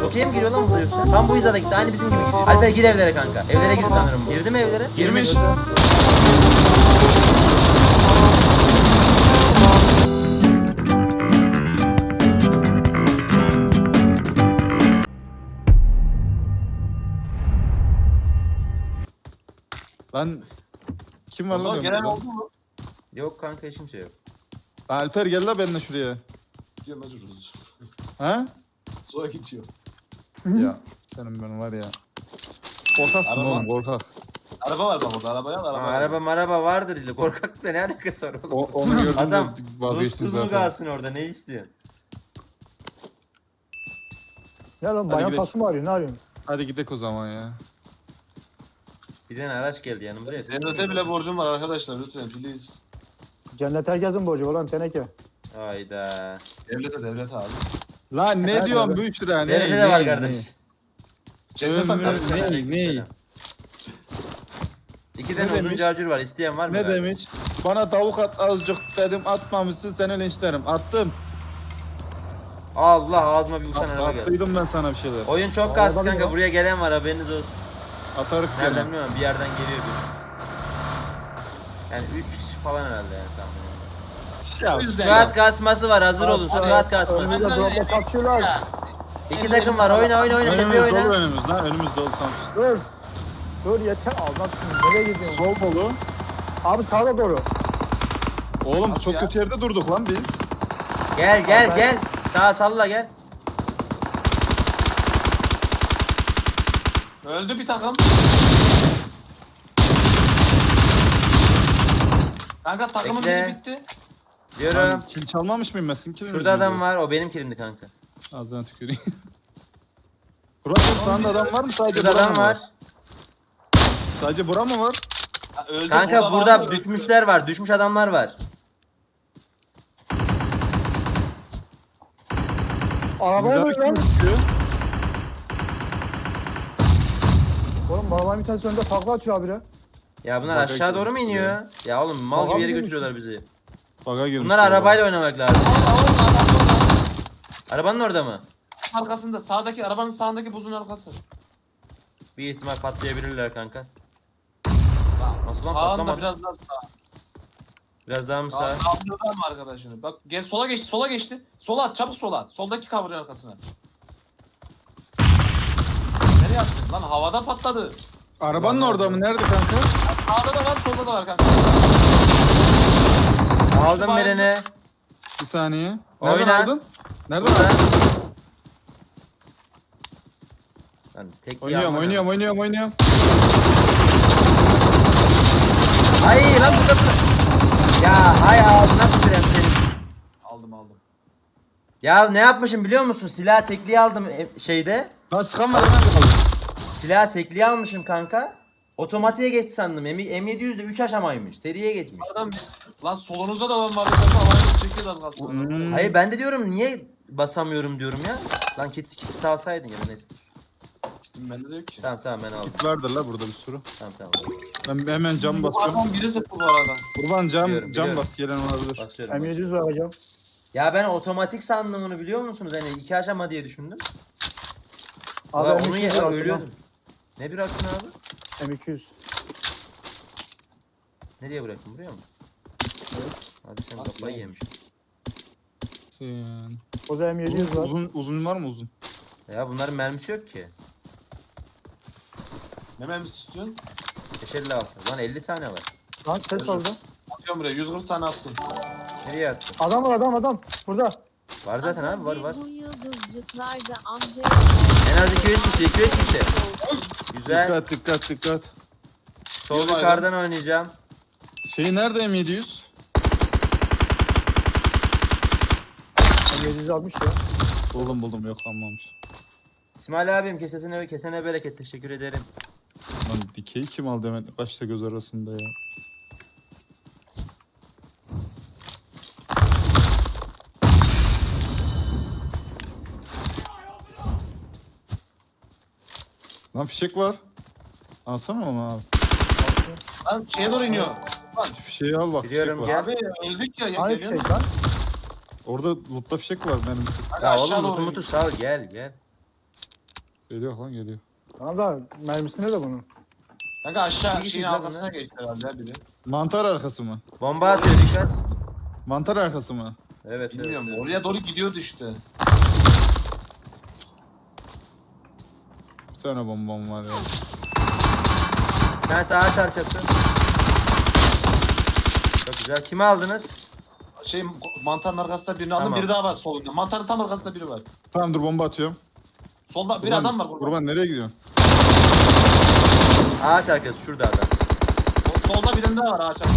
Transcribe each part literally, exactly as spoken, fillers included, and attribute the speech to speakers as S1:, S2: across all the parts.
S1: Okey mi giriyor lan bu da yoksa? Tam bu hizada gitti. Aynı bizim gibi gidiyor. Alper gir evlere kanka. Evlere gir sanırım bu. Girdi mi evlere? Girmiş.
S2: Lan kim var lan?
S3: Gelen oldu mu?
S1: Yok kanka hiç kimse yok.
S2: Alper gel la benimle şuraya.
S3: Gidiyor mecburuz.
S2: Ha?
S3: Sonra gidiyor.
S2: Ya senin ben var ya. Korkaksın
S3: Araba.
S2: oğlum korkak.
S3: Araba var bak orada arabaya al
S1: Aa,
S3: araba.
S1: araba maraba vardır ille. Korkakla ne alakası var oğlum?
S2: O, onu gördüm
S1: Adam
S2: de vazgeçtin
S1: Mutsuz mu
S2: zaten.
S1: kalsın orada ne istiyorsun?
S4: Ya lan
S2: Hadi
S4: bayan
S2: gidelim.
S4: pası mı arıyor? Ne arıyorsun?
S2: Hadi gidelim o zaman ya.
S1: Bir tane araç geldi yanımıza ya.
S3: Devlete bile borcum var arkadaşlar lütfen please.
S4: Cennet herkesin borcu olan teneke.
S1: Hayda.
S3: Devlete devlete abi.
S2: Lan ne
S4: Evet,
S2: diyorsun
S4: evet.
S2: bu üç lira? Ne,
S1: Devlete de
S2: ne,
S1: var
S2: ne?
S1: kardeş.
S3: Cennet
S2: Ömrü-
S3: abi.
S2: ne,
S1: Aleykümselam.
S2: ne?
S1: İki tane
S2: Ne
S1: uzun
S2: demiş?
S1: carcur var. İsteyen var mı?
S2: Ne
S1: kardeş?
S2: demiş? Bana tavuk at azıcık dedim atmamışsın seni linçlerim. Attım.
S1: Allah ağzıma bir uçan
S2: At,
S1: araba geldi.
S2: attıydım ben sana bir şeyler.
S1: Oyun çok
S4: Araba
S1: kastı
S4: değil
S1: kanka.
S4: mi?
S1: Buraya gelen var haberiniz olsun.
S2: Atarık
S1: Nereden
S2: gene.
S1: bilmiyorum. Bir yerden geliyor bir. Yani üç kişi falan herhalde yani tahmin.
S2: Ya,
S1: Squat kasması var. Hazır olun. Squat kasması.
S4: Önümüzde dropla kaçıyorlar.
S1: İki takım var. Oyna oyna oyna. Tepe
S2: önümüz dolu
S1: oyna.
S2: önümüz lan önümüz dolu tam.
S4: Dur. Dur yeter. Allah aşkına nereye gidiyorsun?
S2: Sol dolu.
S4: Abi sağa doğru.
S2: Oğlum
S3: Nasıl
S2: çok
S3: ya?
S2: kötü yerde durduk lan biz.
S1: Gel gel
S4: Abi-
S1: gel. Sağa salla gel.
S3: Öldü bir takım. Kanka takımın
S1: Bekle.
S3: biri bitti.
S1: Diyorum.
S2: Ben kill çalmamış mıyım ben? Sizin killiniz
S1: Şurada adam
S2: miydi?
S1: var. O benim kilimdi kanka.
S2: Ağzına tüküreyim. Kurat sağında adam var mı sadece?
S1: Şurada
S2: bura
S1: adam
S2: mı
S1: var.
S2: Sadece bura mı var?
S3: Ha, öldü,
S1: Kanka
S3: burada
S1: burada
S3: var, öldü.
S1: düşmüşler var. Düşmüş adamlar var.
S4: Arabaya
S2: Güzel
S4: bak lan.
S2: düşüyor.
S4: Oğlum arabanın bir tanesi önünde takla atıyor abire.
S1: Ya bunlar
S2: Baka
S1: aşağı doğru mu
S2: girmiş
S1: iniyor? Ya oğlum mal
S4: Baka
S1: gibi yere
S4: girmiş.
S1: götürüyorlar bizi.
S2: Baga girmiş.
S1: Bunlar
S2: galiba.
S1: arabayla oynamak lazım.
S3: Aa, orada, adam orada.
S1: Arabanın orada mı?
S3: Arkasında sağdaki arabanın sağındaki buzun arkası.
S1: Bir ihtimal patlayabilirler kanka. Nasıl lan
S3: Sağında
S1: patlamadı?
S3: biraz daha sağ.
S1: Biraz daha mı
S3: Sağ.
S1: sağ?
S3: Sağında var mı arkadaşını? Bak gel sola geçti sola geçti. Sola at çabuk sola at. Soldaki cover'ın arkasına. Nereye attın? Lan havada patladı.
S2: Arabanın orada mı? Nerede kanka?
S3: Sağda da var solda da var kanka.
S1: Aldım
S3: Şu
S1: birini.
S2: Bir saniye. Nereden
S1: Oyna.
S2: aldın? Nereden
S1: Burada.
S2: aldın?
S1: Lan tek
S2: Oynuyorum, oynuyorum, oynuyorum, oynuyorum.
S1: Ay lan burada burada. Ya hay ağzına tüküreyim senin.
S3: Aldım aldım.
S1: Ya ne yapmışım biliyor musun? Silah tekliği aldım e, şeyde.
S2: Lan sıkan var hemen kaldı.
S1: Silah tekliği almışım kanka. Otomatiğe geçti sandım. M yedi yüzde üç aşamaymış. Seriye geçmiş.
S3: Adam lan solunuzda da adam var. Kanka havaya çekiyor az kalsın.
S2: Hmm.
S1: Hayır ben de diyorum niye basamıyorum diyorum ya. Lan kit kit salsaydın ya da neyse.
S3: Gittim bende de yok ki.
S1: Tamam tamam ben aldım.
S2: Git vardır la burada bir sürü.
S1: Tamam tamam.
S2: Ben hemen cam
S3: Bu
S2: basıyorum.
S3: adam biri sıktı bu arada.
S2: Kurban cam,
S1: Biliyorum,
S2: cam
S1: biliyorum.
S2: bas gelen olabilir.
S1: Basıyorum.
S4: M yedi
S1: basıyorum.
S4: yüz vereceğim.
S1: Ya ben otomatik sandım onu biliyor musunuz? Hani iki aşama diye düşündüm.
S4: Abi
S1: Abi
S4: M
S1: onu
S4: iki yüz
S1: ya
S4: bıraktım
S1: ölüyordum. Ne bıraktın abi?
S4: lan. M iki yüz.
S1: Nereye bıraktın buraya mı? Abi sen
S3: Nasıl
S1: kafayı
S3: yani?
S1: yemiş.
S2: Sen...
S4: O da M yedi yüz
S2: Uzun,
S4: var.
S2: uzun, uzun var mı uzun?
S1: Ya bunların mermisi yok ki.
S3: Ne mermisi istiyorsun?
S1: beş elli altı. Lan elli tane var.
S4: Lan ses oldu.
S3: Atıyorum buraya yüz kırk tane attım.
S1: Nereye attın?
S4: Adam var adam adam. Burada.
S1: Var zaten abi var var.
S5: Bu yıldızcıklarda amca
S1: En az iki üç kişi iki üç kişi. Güzel.
S2: Dikkat dikkat dikkat.
S1: Sol
S3: Güzel.
S1: yukarıdan oynayacağım.
S2: Şeyi nerede M yedi yüz?
S4: M yedi yüz almış ya.
S2: Buldum buldum yok almamış.
S1: İsmail abim kesesine kesene bereket teşekkür ederim.
S2: Lan dikeyi kim aldı hemen kaçta göz arasında ya. Lan fişek var. Alsana onu abi.
S3: Lan şeye doğru iniyor. Lan
S2: Fişeği al bak
S1: Biliyorum,
S2: fişek var.
S1: gel.
S3: abi öldük ya. ya
S4: Aynı
S3: geliyor
S4: şey
S3: musun?
S4: lan.
S2: Orada lootta fişek var mermisi.
S3: Hadi
S1: Ya
S3: aşağı
S1: oğlum
S3: doğru
S1: mutu
S3: in.
S1: mutu sal gel gel.
S2: Geliyor lan geliyor.
S4: Tamam da mermisi ne de bunun?
S3: Kanka aşağı
S1: İki
S3: şeyin
S1: kişi lan
S3: arkasına
S1: bunlar.
S3: geçti herhalde biri.
S2: Mantar arkası mı?
S1: Bomba atıyor dikkat.
S2: Mantar arkası mı?
S1: Evet
S3: Bilmiyorum
S1: evet.
S3: oraya doğru gidiyordu işte.
S2: Bir tane bombam var ya.
S1: Sen ağaç arkası. Çok güzel. Kimi aldınız?
S3: Şey mantarın arkasında birini aldım,
S1: Tamam.
S3: biri daha var solunda. Mantarın tam arkasında biri var.
S2: Tamam dur bomba atıyorum.
S3: Solda bir
S2: Kurban-
S3: adam var burada.
S2: Kurban nereye gidiyorsun?
S1: Ağaç arkası şurada adam.
S3: Sol- Solda birinin daha var ağaç arkasında.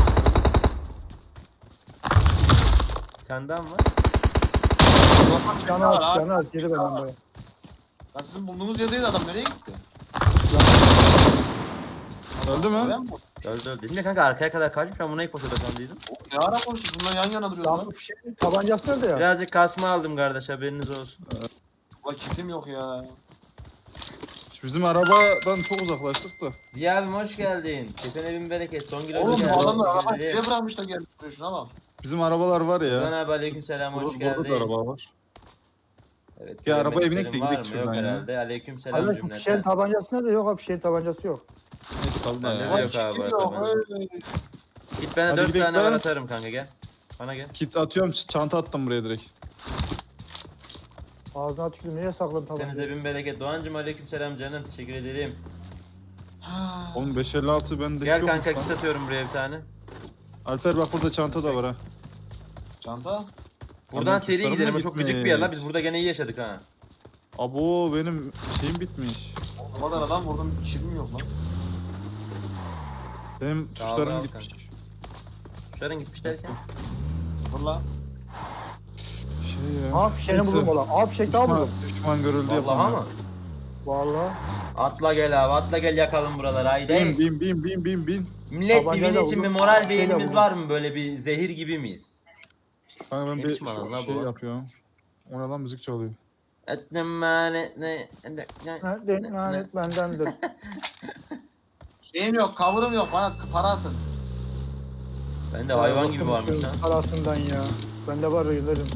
S1: Bir tane daha mı var?
S4: Canı
S3: var,
S4: aç,
S3: abi.
S4: canı aç. Geri benden baya.
S3: Ya sizin bulunduğunuz yerdeydi adam, nereye gitti?
S2: Öldü mü?
S3: Öyle mi?
S1: Öldü öldü. Bilmiyorum kanka arkaya kadar kaçmış. Ben buna ilk koşuda sandıydım.
S3: Ne ara konuştuk? Bunlar yan yana duruyordu lan.
S4: Tamam, şey, tabancası nerede ya?
S1: Birazcık kasma aldım kardeş haberiniz olsun.
S3: Ulan kitim yok ya.
S2: Bizim arabadan çok uzaklaştık da.
S1: Ziya abim hoş geldin. Kesin evin bereket. Son gün
S3: Oğlum
S1: hoş
S3: bu
S1: geldin.
S3: adamlar
S1: Teşekkür
S3: arabayı
S1: ederim.
S3: niye bırakmış da gelmiş buraya, şuna bak.
S2: Bizim arabalar var
S1: Ozan
S2: ya.
S1: abi aleykümselam hoş
S2: Burada, burada da
S1: geldin.
S2: araba var.
S1: Evet,
S2: Ya arabaya binek de
S1: göremediklerim
S2: gidelim
S1: var mı?
S2: şuradan
S1: Yok
S2: ya.
S1: herhalde. Aleykümselam
S4: Abi şu fişeğin
S1: cümleten.
S4: tabancası nerede? Yok abi fişeğin tabancası yok.
S2: Neyse sal da
S1: Bende
S2: ya.
S1: de
S3: Ulan
S1: yok abi
S3: kitim
S1: bu
S3: yok.
S1: arada.
S3: Öyle.
S1: Git bana
S2: Hadi
S1: dört
S2: gidelim
S1: tane var
S2: lan.
S1: atarım kanka gel. Bana gel.
S2: Kit atıyorum çanta attım buraya direkt.
S4: Ağzına tükürdüm. Niye sakladın
S1: Seni de
S4: tabancayı?
S1: bin bereket. Doğancım aleykümselam canım. Teşekkür ederim.
S3: Ha.
S2: Oğlum beş elli altı bende
S1: Gel
S2: yokmuş
S1: kanka
S2: lan.
S1: kit atıyorum buraya bir tane.
S2: Alper bak burada çanta da var ha.
S3: Çanta.
S1: Buradan
S2: Ondan
S1: seri
S2: tuşlarım
S1: gidelim.
S2: da
S1: O çok gıcık bir yer la.
S2: gitmiş.
S1: Biz burada gene iyi yaşadık ha.
S2: Abo benim şeyim bitmiş.
S3: O kadar adam vurdum, kilim yok lan.
S2: Benim
S1: Sağ ol,
S2: tuşlarım
S1: al
S2: gitmiş.
S1: Kuşların gitmiş derken.
S3: Valla.
S2: Şey ya.
S4: Ha fişeğini
S2: neyse.
S4: buldum ola. Aa fişek daha
S2: Düşman,
S4: buldum.
S2: düşman görüldü
S1: Vallahi
S2: yapamıyor.
S1: ama.
S4: Valla.
S1: Atla gel abi atla gel yakalım buraları haydi.
S2: Bin bin bin bin bin bin.
S1: Millet
S4: Tabancayla
S1: birbirine için bir
S4: vurdum.
S1: moral bir
S4: Şeyle
S1: elimiz
S4: vurdum.
S1: var mı böyle bir zehir gibi miyiz?
S2: Kanka ben
S1: Ne
S2: bir
S1: biçim alan la
S2: şey
S1: bu?
S2: yapıyorum. O ne lan müzik çalıyor.
S1: Etnemane ne ne
S4: Nerede? Lanet bendendir.
S3: Şeyim yok, cover'ım yok, bana para atın.
S1: Ben de hayvan gibi varmış
S4: Bıktım
S1: lan.
S4: şu Parasından ya. Bende var yıllarım.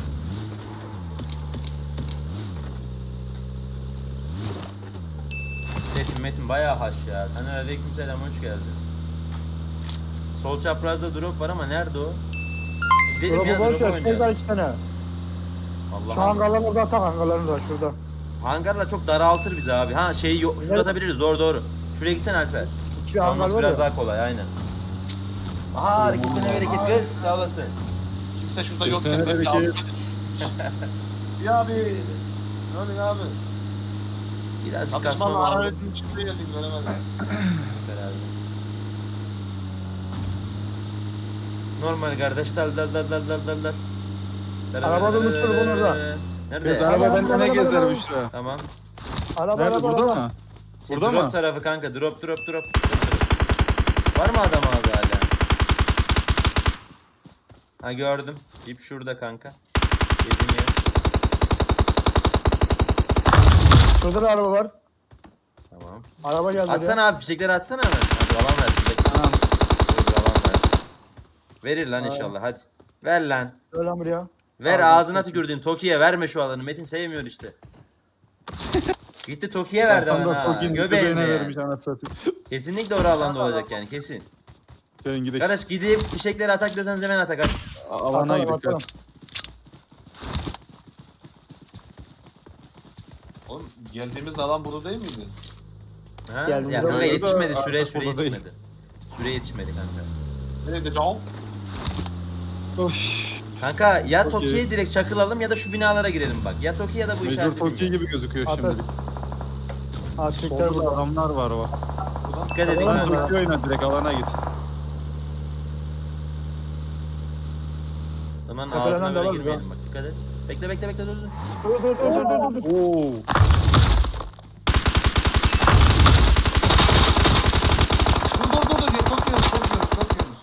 S1: Metin Metin bayağı haş ya. Sana aleykümselam hoş geldin. Sol çaprazda drop var ama nerede o? Gidelim ya
S4: Drop'u
S1: drop
S4: boş ver. Şurada
S1: oynayalım.
S4: iki tane. Şu
S1: Allah'ım.
S4: hangarlarını orada atak hangarlarını da şurada.
S1: Hangarla çok daraltır bizi abi. Ha şeyi yok. Şurada
S4: Evet.
S1: atabiliriz doğru doğru. Şuraya gitsene Alper.
S4: İki hangar
S1: Salması
S4: var
S1: biraz
S4: ya.
S1: daha kolay aynen. Aha hareketine bereket kız sağ olasın.
S3: Kimse şurada
S2: Kimse
S3: yok.
S2: bereket.
S3: Ya abi. Ne oluyor abi?
S1: Birazcık kasma
S3: Atışmanla
S1: var
S3: hararetin çıktığı geldik, göremedim.
S1: herhalde. Normal kardeş dal dal dal dal dal dal dal.
S4: Araba durmuştur bunlarda.
S1: Nerede?
S2: Kız araba
S4: Araba,
S2: bende ne
S4: araba,
S2: gezer
S4: araba.
S2: Büşra?
S1: Tamam.
S4: Araba
S2: Nerede
S4: araba
S2: burada
S4: araba.
S2: mı? Burada
S1: drop
S2: mı?
S1: tarafı kanka drop drop drop. Var mı adam abi hala? Ha gördüm. İp şurada kanka. Yedim ya.
S4: Şurada da araba var.
S1: Tamam.
S4: Araba geldi.
S1: Atsana abi fişekleri atsana hemen. Hadi alan ver. Bekle.
S2: Tamam.
S1: Dur, alan ver. Verir lan
S4: Aa.
S1: inşallah hadi. Ver lan.
S4: Öyle lan buraya.
S1: Ver
S4: Abi,
S1: ağzına
S4: çok iyi.
S1: tükürdüğüm Toki'ye verme şu alanı. Metin sevmiyor işte. Gitti Toki'ye verdi
S2: Tam da
S1: bana.
S2: Toki'nin
S1: Göbeğine.
S2: göbeğine
S1: yani.
S2: vermiş anasını satayım.
S1: Kesinlikle orada alanda olacak yani kesin.
S2: Gelin gidelim.
S1: Kardeş gidip fişekleri atak diyorsanız hemen atak at.
S2: Alana
S4: Atalım,
S2: gidelim.
S4: atalım.
S3: Oğlum geldiğimiz alan burada değil miydi?
S1: Ha?
S4: Geldim,
S1: Ya
S4: burada
S1: kanka
S2: da
S1: yetişmedi süre
S2: artık
S1: süre
S2: burada değil.
S1: yetişmedi. Süre yetişmedi kanka.
S3: Nerede canım?
S2: Oş.
S1: Kanka ya
S2: Çok
S1: Toki'ye
S2: iyi.
S1: direkt çakılalım ya da şu binalara girelim bak. Ya Toki ya da bu
S2: Mecbur
S1: işaret.
S2: Toki gibi gözüküyor
S4: Atar.
S2: şimdi.
S4: Artıklar
S2: Solda da
S4: burada.
S2: adamlar var bak.
S3: Buradan.
S1: Dikkat edin
S4: Tamam,
S1: ha.
S4: tamam.
S2: Toki oyna direkt alana git.
S1: Zaman
S4: Tepelenen
S1: ağzına
S4: de
S1: böyle
S4: var mı
S1: girmeyelim bak dikkat et. Bekle bekle bekle dur dur.
S4: Dur dur dur dur dur dur.
S2: Oo.
S3: Dur dur dur dur. Çok yiyoruz, çok yiyoruz, çok yiyoruz.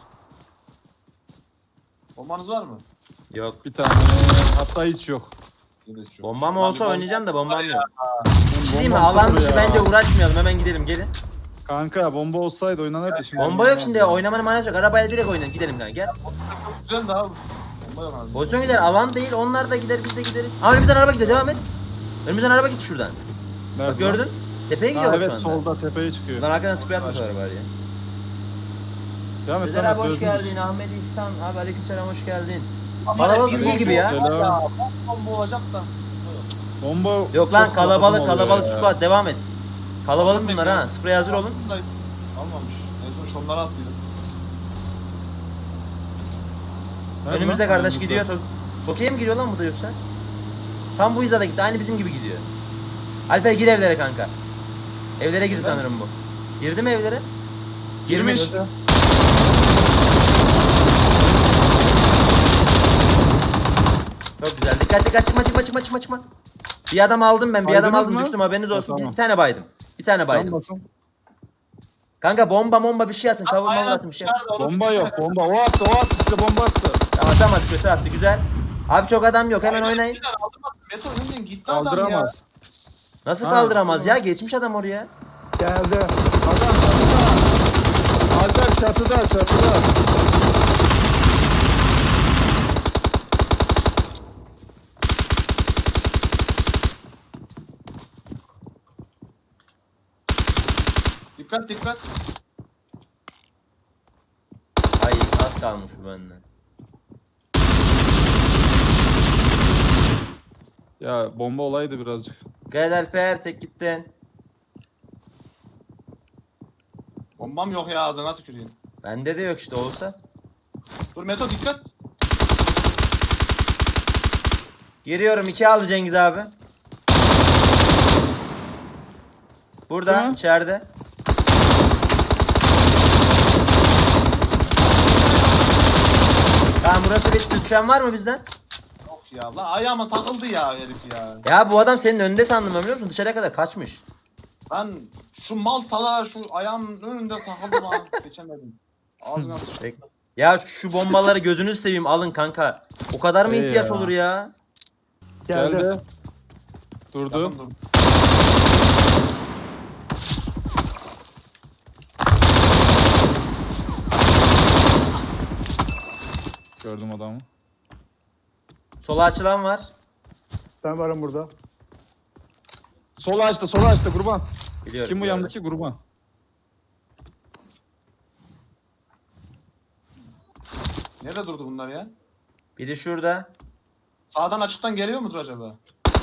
S3: Bombanız var mı?
S1: Yok.
S2: Bir tane. Hatta hiç yok.
S3: Evet, şu.
S1: Bombam
S3: Abi
S1: olsa
S3: bomba-
S1: oynayacağım da bombam yok.
S2: Benim
S1: Şey diyeyim mi?
S2: bombam
S1: Alan
S2: sıfır
S1: dışı
S2: ya.
S1: bence uğraşmayalım hemen gidelim gelin.
S2: Kanka bomba olsaydı oynanırdı şimdi.
S1: Bomba yok şimdi oynamanın manası yok. Arabayla direkt oynayalım gidelim kanka gel.
S3: Çok güzel de abi. Bomba yok abi.
S1: Pozisyon gider alan değil onlar da gider biz de gideriz. Aa önümüzden araba gidiyor devam et. Önümüzden araba gitti şuradan.
S2: Nerede
S1: Bak gördün.
S2: lan?
S1: Tepeye
S2: Ha,
S1: gidiyor bak
S2: evet
S1: şu anda.
S2: solda tepeye çıkıyor.
S1: Lan arkadan sprey atmışlar var ya.
S2: Devam et,
S1: Sezer
S2: devam
S1: abi
S2: et,
S1: hoş
S2: gördünüz.
S1: geldin. Ahmet İhsan abi aleykümselam hoş geldin.
S3: Ama
S1: Kalabalık
S3: bir
S1: iyi gibi ya.
S3: bomba var
S2: Selam.
S3: Bomba olacak da.
S2: Bomba
S1: Yok lan
S2: çok
S1: kalabalık
S2: lazım oluyor
S1: kalabalık
S2: ya.
S1: squad devam et. Kalabalık
S3: Aldım
S1: bunlar
S3: ben
S1: ha.
S3: ya.
S1: Sprey hazır olun.
S3: Almamış. En son şunları attıydım.
S2: Nerede
S1: Önümüzde
S2: lan?
S1: kardeş
S2: Önümüzde.
S1: gidiyor. Tok- Tokyo'ya mı giriyor lan bu da yoksa? Tam bu hizada gitti. Aynı bizim gibi gidiyor. Alper gir evlere kanka. Evlere gir sanırım bu. Girdi mi evlere? Girmiş.
S2: Girmiş.
S1: Çok güzel. Dikkat dikkat çıkma çıkma çıkma çıkma çıkma. Bir adam aldım ben. Bir adam
S2: Baydınız
S1: aldım
S2: mı?
S1: düştüm haberiniz
S2: Ha,
S1: olsun. Bir,
S2: tamam.
S1: bir tane baydım. Bir tane
S2: Can
S1: baydım.
S2: basın.
S1: Kanka bomba bomba bir şey atın. Kavurma
S3: Aynen,
S1: atın bir şey.
S3: dışarıda, onu
S2: Bomba
S3: bir-
S2: yok bomba. O attı o attı size bomba attı.
S1: Tamam atamadı kötü attı güzel. Abi çok adam yok hemen
S3: Aynen,
S1: oynayın.
S3: bir tane aldırmaz. Meto önden gitti adam ya.
S2: Kaldıramaz.
S1: Nasıl
S2: Ha,
S1: kaldıramaz ya?
S2: tamam.
S1: Geçmiş adam oraya.
S4: Geldi.
S2: Adam çatıda. Alper çatıda çatıda.
S3: Dikkat dikkat.
S1: Ay az kalmış bu benden.
S2: Ya bomba olaydı birazcık.
S1: Gel Alper tek gittin.
S3: Bombam yok ya ağzına tüküreyim.
S1: Bende de yok işte olsa.
S3: Dur Meto dikkat.
S1: Giriyorum iki aldı Cengiz abi. Burada
S2: Tamam.
S1: içeride. Tamam burası bitti. Düşen var mı bizden?
S3: Yok ya lan ayağıma takıldı ya herif ya.
S1: Ya bu adam senin önünde sandım ben biliyor musun? Dışarıya kadar kaçmış.
S3: Ben şu mal salağa şu ayağımın önünde takıldım ha. Geçemedim. Ağzına sıçtı.
S1: Bek- Ya şu bombaları gözünüz seveyim alın kanka. O kadar mı
S2: Ey
S1: ihtiyaç
S2: ya.
S1: olur ya?
S4: Geldi.
S2: Geldi. Durdu.
S3: Yakın dur.
S2: Gördüm adamı.
S1: Sola açılan var.
S4: Ben varım burada.
S2: Sola açtı sola açtı kurban.
S1: Biliyorum.
S2: Kim bu
S1: biliyorum.
S2: yandaki kurban?
S3: Nerede durdu bunlar ya?
S1: Biri şurada.
S3: Sağdan açıktan geliyor mudur acaba?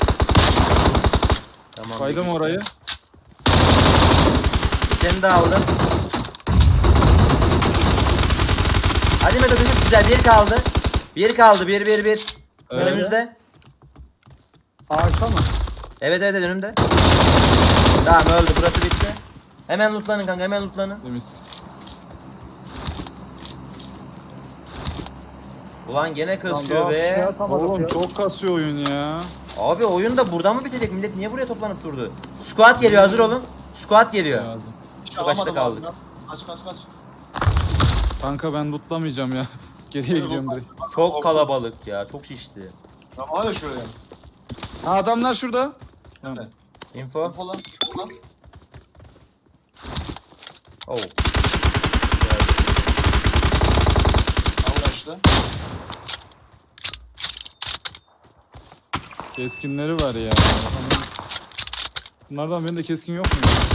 S1: Tamam.
S2: Kaydım
S1: bir-
S2: orayı.
S1: Seni de aldım. Hadi Meto düşük güzel bir kaldı. Bir kaldı bir bir bir.
S2: Evet.
S1: Önümüzde.
S4: Ağaçta mı?
S1: Evet evet önümde. Tamam öldü burası bitti. Hemen lootlanın kanka hemen lootlanın.
S2: Temiz.
S1: Ulan gene
S4: Tamam,
S1: kasıyor
S4: daha
S1: be.
S4: şey atamadık
S2: Oğlum
S4: ya.
S2: çok kasıyor oyun ya.
S1: Abi oyun da buradan mı bitecek? Millet niye buraya toplanıp durdu? Squad geliyor hazır olun. Squad geliyor.
S2: Lazım.
S3: Hiç
S1: Çok açta
S3: alamadım
S1: kaldık.
S3: ağzına. Kaç kaç kaç.
S2: Kanka ben lootlamayacağım ya. Geriye gidiyorum direkt.
S1: Çok kalabalık ya. Çok şişti.
S3: Ya var ya şuraya.
S2: Ha adamlar şurada. Tamam.
S3: Evet.
S1: Info.
S3: Info lan. info lan.
S1: Oh.
S3: Al işte.
S2: Keskinleri var ya. Bunlardan benim de keskin yok mu? ya?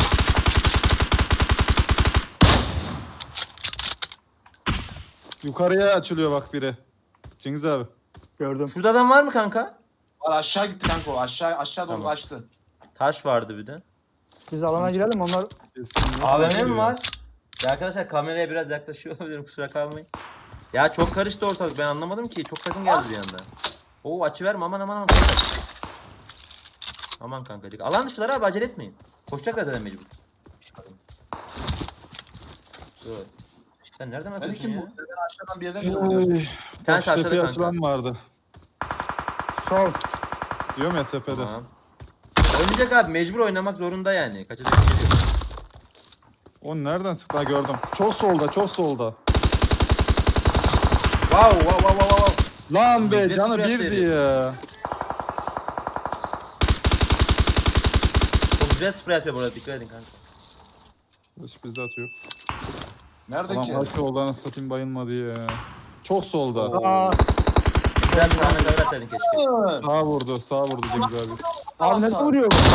S2: Yukarıya açılıyor bak biri. Cengiz abi.
S4: Gördüm.
S1: Şurada adam var mı kanka?
S3: Var aşağı gitti kanka o. Aşağı aşağı doğru
S1: Tamam.
S3: kaçtı.
S1: Taş vardı bir de.
S4: Biz alana girelim onlar.
S2: Keskin yok.
S1: A V M mi var? Ya arkadaşlar kameraya biraz yaklaşıyor olabilirim kusura kalmayın. Ya çok karıştı ortalık ben anlamadım ki. Çok takım geldi bir anda. Oo açı verme aman aman aman. Aman kanka dik. Alan dışılar abi acele etmeyin. Koşacaklar zaten mecbur. Dur. Sen nereden
S3: Ben
S1: atıyorsun
S3: kim
S1: ya?
S3: bu? Ben aşağıdan bir yerden geliyorum.
S2: Oy.
S1: Bir tanesi
S2: Taş tepeye
S1: aşağıda kanka.
S2: açılan vardı.
S4: Sol.
S2: Diyorum ya tepede.
S1: Tamam. Oynayacak abi mecbur oynamak zorunda yani. Kaçacak bir şey yok.
S2: O nereden sıktı? Ha gördüm. Çok solda, çok solda.
S1: Wow wow wow wow wow.
S2: Lan be
S1: Yüzde
S2: canı
S1: sıfır
S2: birdi
S1: yaptı
S2: ya.
S1: Çok güzel sprey atıyor bu arada dikkat edin kanka.
S2: Hiç bizde atıyor.
S3: Nerede
S2: Ulan
S3: ki?
S2: başka oldu anasını satayım bayılmadı ya. Çok solda.
S4: Aa,
S1: Biraz sağına cover atsaydın keşke.
S2: Sağa vurdu, sağa vurdu Cengiz abi.
S4: Abi nasıl vuruyor bu?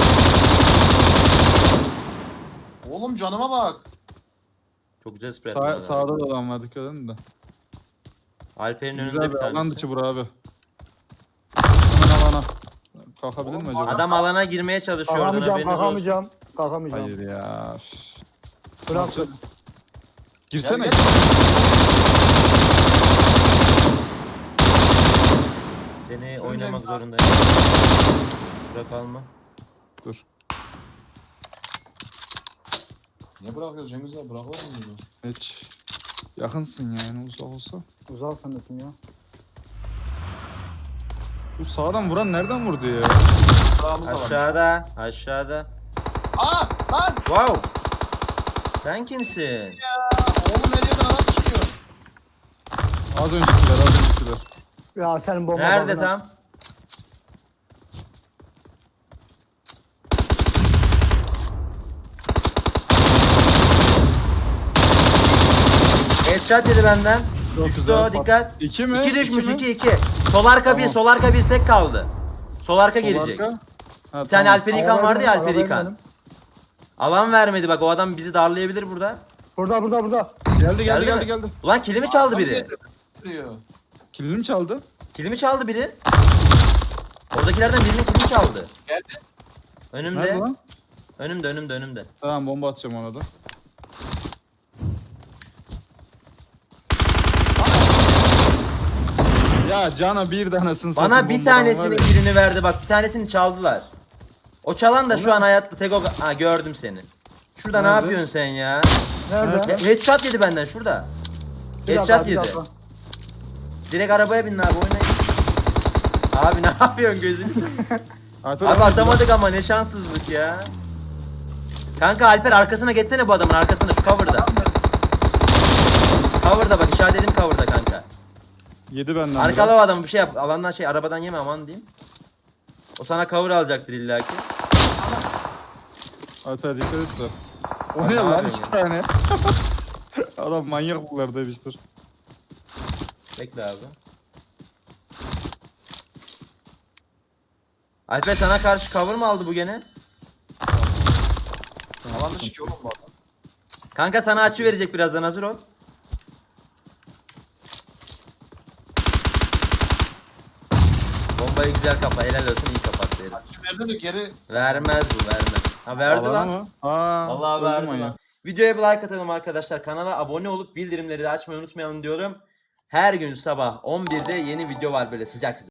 S3: Oğlum canıma bak.
S1: Çok güzel spray
S2: Sağ,
S1: attın.
S2: sağda da adam var, dikkat edin de.
S1: Alper'in önünde
S2: Güzel
S1: bir
S2: bir alan
S1: tanesi.
S2: dışı bura abi. Hemen alana. Kalkabilir mi acaba?
S1: Adam alana girmeye çalışıyor oradan,
S4: Kalkamayacağım,
S1: haberiniz olsun.
S4: kalkamayacağım. Kalkamayacağım.
S2: Hayır ya. üf.
S4: Bırak.
S2: Girsene.
S3: Gel, gel.
S1: Seni
S3: Şöyle
S1: oynamak
S3: bir-
S1: zorundayım. Kusura kalma.
S2: Dur.
S3: Ne bırakıyoruz Cengiz abi? Bırakır mı bunu?
S2: Hiç. Yakınsın yani uzak olsa.
S4: Uzak sanatım ya.
S2: Bu sağdan vuran nereden vurdu ya?
S3: Bırakımız da var.
S1: Aşağıda, aşağıda.
S3: Aa lan!
S1: Wow! Sen kimsin?
S3: Oğlum her yerden adam çıkıyor.
S2: Az öncekiler, az öncekiler.
S4: Ya senin bomba
S1: Nerede
S4: bakına.
S1: tam? Headshot yedi benden.
S2: Çok
S1: Düştü
S2: güzel.
S1: o, dikkat.
S2: İki mi?
S1: İki düşmüş,
S2: mi?
S1: iki iki. Sol arka bir,
S2: Tamam.
S1: sol arka bir tek kaldı. Sol arka
S2: Sol
S1: gelecek.
S2: arka. Ha,
S1: Bir tane
S2: tamam.
S1: Alper İlkan vardı ya, Alper
S4: Arabayı
S1: İlkan.
S4: benim.
S1: Alan vermedi bak, o adam bizi darlayabilir burada.
S4: Burada burada burada.
S2: Geldi geldi
S1: Geldi
S2: geldi
S1: mi?
S2: geldi.
S1: Ulan kilimi çaldı biri.
S3: Diyor.
S2: Kilini mi çaldı?
S1: Kilimi çaldı biri. Oradakilerden birinin kilimi çaldı.
S3: Geldi.
S1: Önümde.
S2: Nerede lan?
S1: Önümde, önümde, önümde.
S2: Tamam bomba atacağım ona da. Ya Cana bir tanesini
S1: Bana
S2: satın
S1: bir
S2: bombadan
S1: tanesinin
S2: var ya.
S1: kilini verdi bak, bir tanesini çaldılar. O çalan da şu an hayatta, tek o... Ha, gördüm seni. Şurada ne
S2: Nerede?
S1: yapıyorsun sen ya?
S4: Nerede?
S1: He- Headshot yedi benden şurada.
S4: Bir dakika,
S1: Headshot
S4: bir
S1: yedi.
S4: dakika.
S1: Direkt arabaya binin abi, oynayın. Abi ne yapıyorsun, gözünü seveyim.
S2: Alper
S1: Abi
S2: abi,
S1: atamadık ama, ne şanssızlık ya. Kanka Alper arkasına geçsene, bu adamın arkasına, şu cover'da. Cover'da bak, işaretledim cover'da kanka.
S2: Yedi benden
S1: Arkala o
S2: biraz.
S1: adamı, bir şey yap. Alandan şey, arabadan yeme aman diyeyim. O sana cover alacaktır illaki.
S2: Alper dikkat et de. O
S1: Abi
S2: ne
S1: ne
S2: lan
S1: yapıyorsun
S2: iki tane? Adam manyak bunlar demiştir.
S1: Bekle abi. Alper sana karşı cover mı aldı bu gene?
S3: Alan dışı ki oğlum bu adam.
S1: Kanka sana açı verecek birazdan, hazır ol. Bombayı güzel kapa, helal olsun, iyi kapattı herif.
S3: Şu verdi de geri.
S1: Vermez bu, vermez. Ha verdi
S2: Alana
S1: lan.
S2: mı? Aa,
S1: Vallahi
S2: öldü
S1: verdi
S2: manyak.
S1: lan. Videoya bir like atalım arkadaşlar. Kanala abone olup bildirimleri de açmayı unutmayalım diyorum. Her gün sabah on birde yeni video var böyle sıcak sıcak.